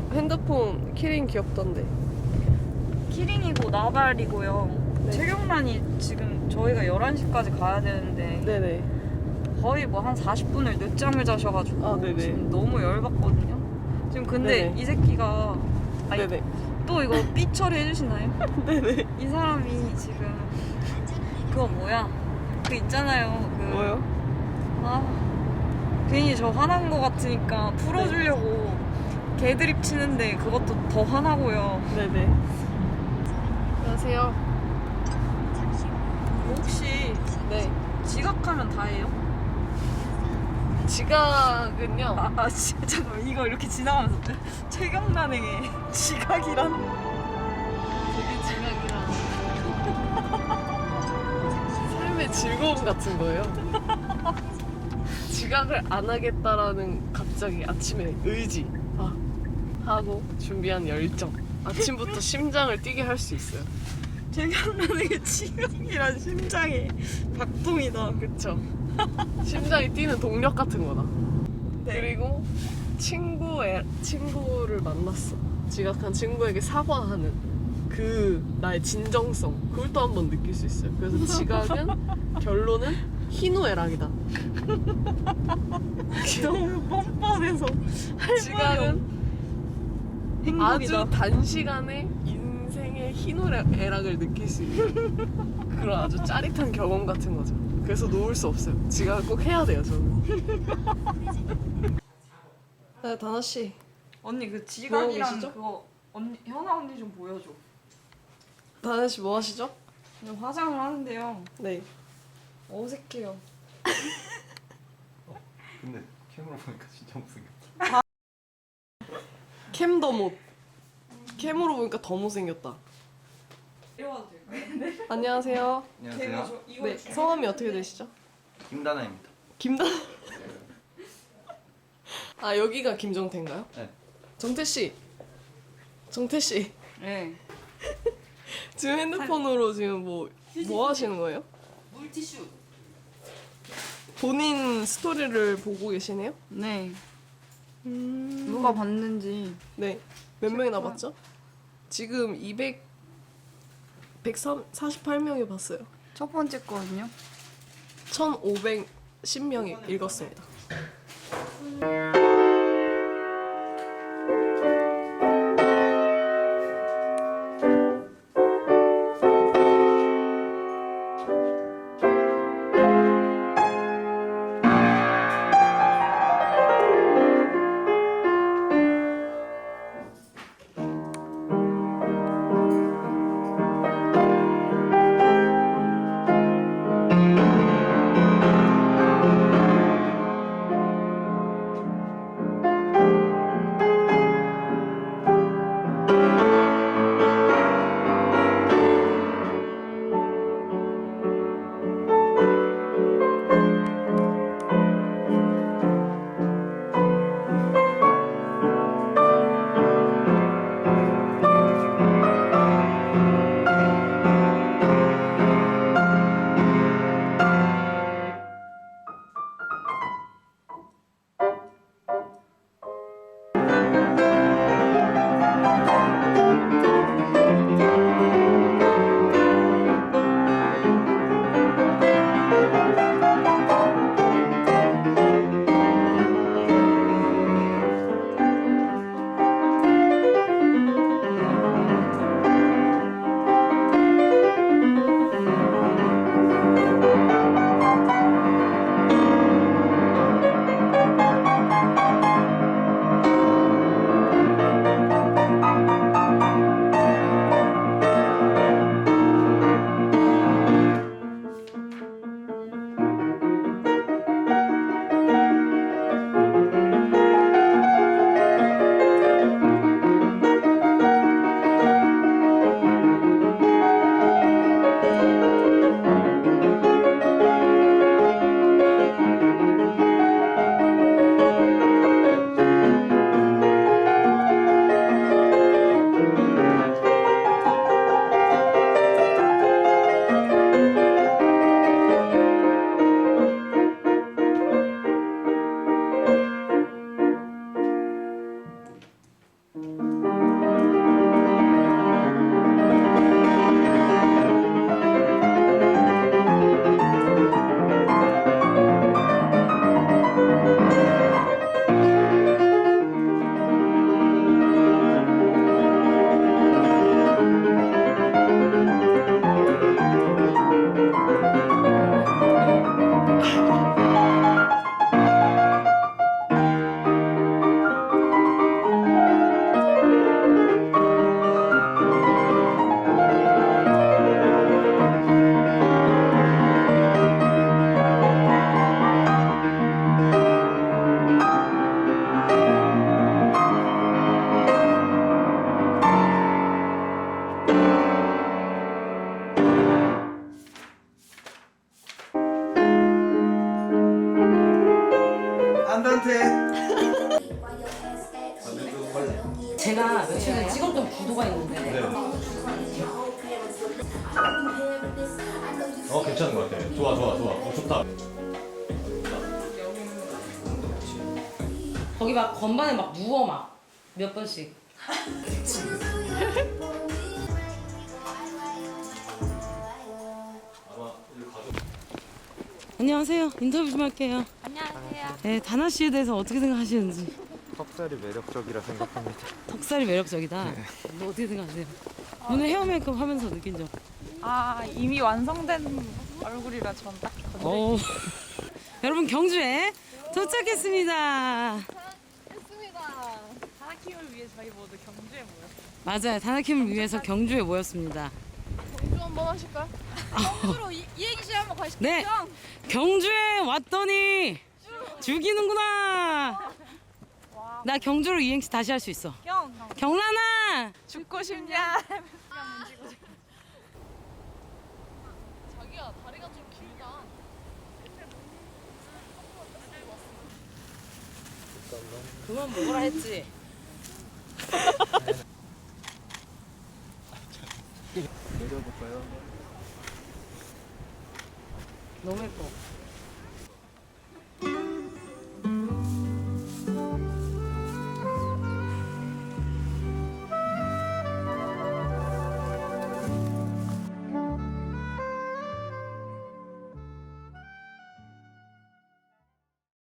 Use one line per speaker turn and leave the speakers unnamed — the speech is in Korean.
핸드폰 키링 귀엽던데.
키링이고 나발이고요.
네.
체력란이 지금 저희가 11시까지 가야 되는데
네네.
거의 뭐 한 40분을 늦잠을 자셔가지고
아, 네네.
지금 너무 열받거든요. 지금 근데
네네.
이 새끼가 아니,
네네.
또 이거 삐 처리 해주시나요?
네네.
이 사람이 지금 그거 뭐야? 그 있잖아요. 그
뭐요?
아 괜히 저 화난 거 같으니까 풀어주려고 개드립 치는데 그것도 더 화나고요.
네네. 안녕하세요.
혹시
네.
지각하면 다예요?
지각은요.
잠깐만 이거 이렇게 지나가면서 최경란에게 지각이란?
되게 지각이랑 삶의 즐거움 같은 거예요. 지각을 안 하겠다라는 갑자기 아침에 의지 하고 준비한 열정. 아침부터 심장을 뛰게 할 수 있어요.
최경란에게 지각이란 심장의 박동이다.
그쵸? 심장이 뛰는 동력 같은 거다.
네.
그리고 친구를 만났어. 지각한 친구에게 사과하는 그 나의 진정성. 그걸 또 한번 느낄 수 있어요. 그래서 지각은 결론은 희노애락이다.
너무 뻔뻔해서
지각은
행복이다.
아주 단시간에 인생의 희노애락을 느낄 수 있는 그런 아주 짜릿한 경험 같은 거죠. 그래서 놓을 수 없어요. 지각을 꼭 해야 돼요, 저는. 네, 다나 씨.
언니 그
뭐
지각이랑
계시죠?
그거 언니 현아 언니 좀 보여줘.
다나 씨 뭐 하시죠?
그냥 화장을 하는데요.
네.
어색해요.
근데 캠으로 보니까 진짜 못생겼다.
캠 더 못. 캠으로 보니까 더 못생겼다.
이러면 될까요?
안녕하세요.
안녕하세요.
네, 성함이 어떻게 되시죠?
김다나입니다.
김다. 아, 여기가 김정태인가요?
네.
정태 씨. 정태 씨.
네.
지금 핸드폰으로 지금 뭐 하시는 거예요?
물티슈.
본인 스토리를 보고 계시네요?
네. 누가 봤는지.
네. 몇 명이나 봤죠? 지금 148명이 봤어요.
첫 번째 거거든요.
1510명이 읽었습니다.
제가 며칠 전에 찍었던 구도가 있는데
네. 괜찮은 것 같아. 좋아. 좋다.
거기 막 건반에 막 누워 막 몇 번씩. 안녕하세요. 인터뷰 좀 할게요. 안녕하세요. 네, 다나 씨에 대해서 어떻게 생각하시는지.
턱살이 매력적이라 생각합니다.
턱살이 매력적이다. 너 어떻게 생각하세요? 오늘 헤어 메이크업 하면서 느낀 점.
아 이미 완성된 얼굴이라 전 딱.
오. 여러분 경주에 도착했습니다.
다나킴을 위해 저희 모두 경주에 모였어요.
맞아요. 다나킴을 위해서 경주에 모였습니다.
경주 한번 하실까요?
경주로 이행시 한번 가시죠.
네. 경주에 왔더니 죽이는구나. 나 경주로 이행시 다시 할 수 있어. 경란아.
죽고 싶냐?
자기야 다리가 좀 길다.
그만 먹으라 했지.
내려볼까요?
너무 예뻐.